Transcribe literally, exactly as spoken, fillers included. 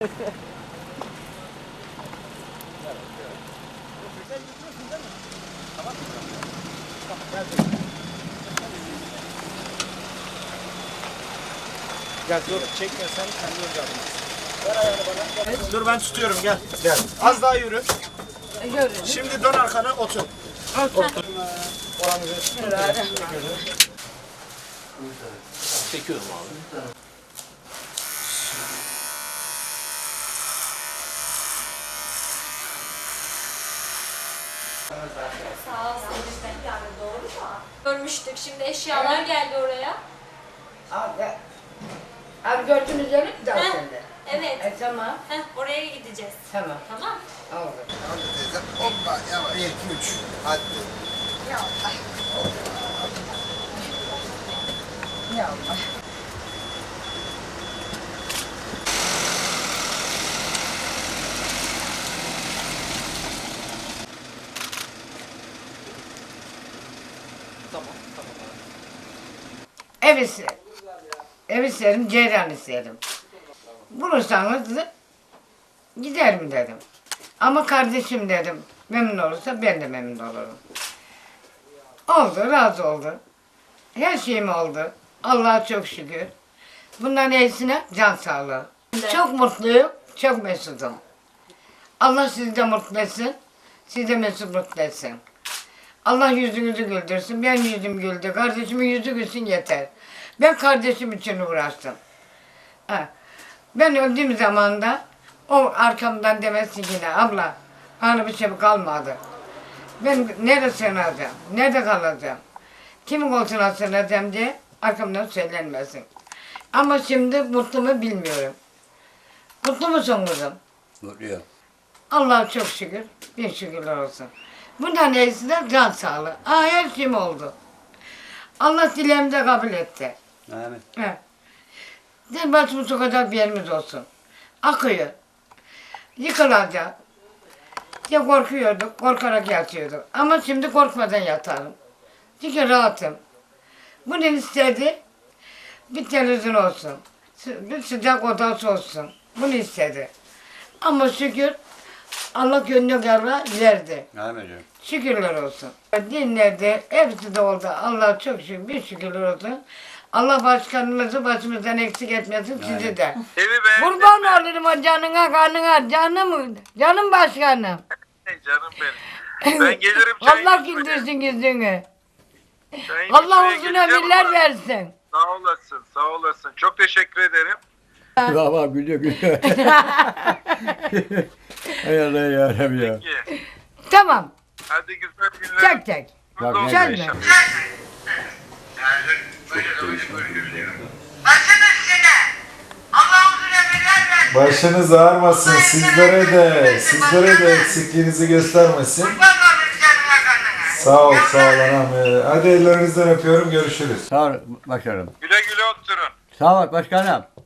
Gel dur çekme sen kendi önce alın. Ver ayağını bana. Gel. Dur ben tutuyorum gel. Gel. Az daha yürü. Yürü. Şimdi dön arkana otur. Otur. Otur. Çekiyorum abi. Sağ ol Sevinç'ten yani doğru mu? Görmüştük. Şimdi eşyalar geldi oraya. Abi, abi gördünüz öyle mi daha Heh, sende? Evet. E tamam. Heh, oraya gideceğiz. Tamam. Tamam. Oldu. Hadi teyze. Hoppa yavaş. Bir, iki, üç. Hadi. Ya Allah. Ya Allah. Tamam tamam. Ev isterim. Ev isterim, ceyran isterim. Bulursanız giderim dedim. Ama kardeşim dedim. Memnun olursa ben de memnun olurum. Oldu, razı oldu. Her şeyim oldu. Allah'a çok şükür. Bundan iyisine can sağlığı. Çok mutluyum, çok mesudum. Allah sizi de mutlu etsin, sizi de mesut mutlu etsin. Allah yüzünüzü güldürsün, ben yüzüm güldü, kardeşimin yüzü gülsün yeter. Ben kardeşim için uğraştım. Ha. Ben öldüğüm zaman da o arkamdan demesi yine abla bana bir şey kalmadı. Ben nerede sığınacağım, nerede kalacağım, kimin koltuğuna sığınacağım diye arkamdan söylenmesin. Ama şimdi mutlu mu bilmiyorum. Mutlu musun kızım? Mutluyum. Allah'a çok şükür, bin şükürler olsun. Bundan iyisi de can sağlığı. Aa, her şeyim oldu. Allah dileğimi de kabul etti. Amin. He. Del başımı sokacak bir yerimiz olsun. Akıyor. Yıkılacak. Ya korkuyorduk, korkarak yatıyorduk. Ama şimdi korkmadan yatarım. Çünkü rahatım. Bunu istedi, bir televizyon olsun. Bir sıcak odası olsun. Bunu istedi. Ama şükür Allah gönlü kararı verdi. Amin. Şükürler olsun. Dinledi, hepsi de oldu. Allah çok şükür, bir şükürler olsun. Allah başkanımızı başımızdan eksik etmesin, sizi de. Evi beğendin Kurban mi? olurum o canına, kanına, canım, canım başkanım. Canım benim. Ben gelirim çay Allah içmeye. güldürsün yüzünü. Çay Allah içmeye uzun geleceğim ömürler ama- versin. Sağ olasın, sağ olasın. Çok teşekkür ederim. Baba gülüyor gülüyor. Hay Allah yarabbim ya. Peki. Tamam, Hadi güzel günler. çek çek. Bak ne Sen diyor. mi? Başınız ağrımasın sizlere de, sizlere de eksikliğinizi göstermesin. Sağ ol, sağ ol anam. Ee, Hadi ellerinizden öpüyorum, görüşürüz. Sağ ol başkanım. Güle güle oturun. Sağ ol başkanım.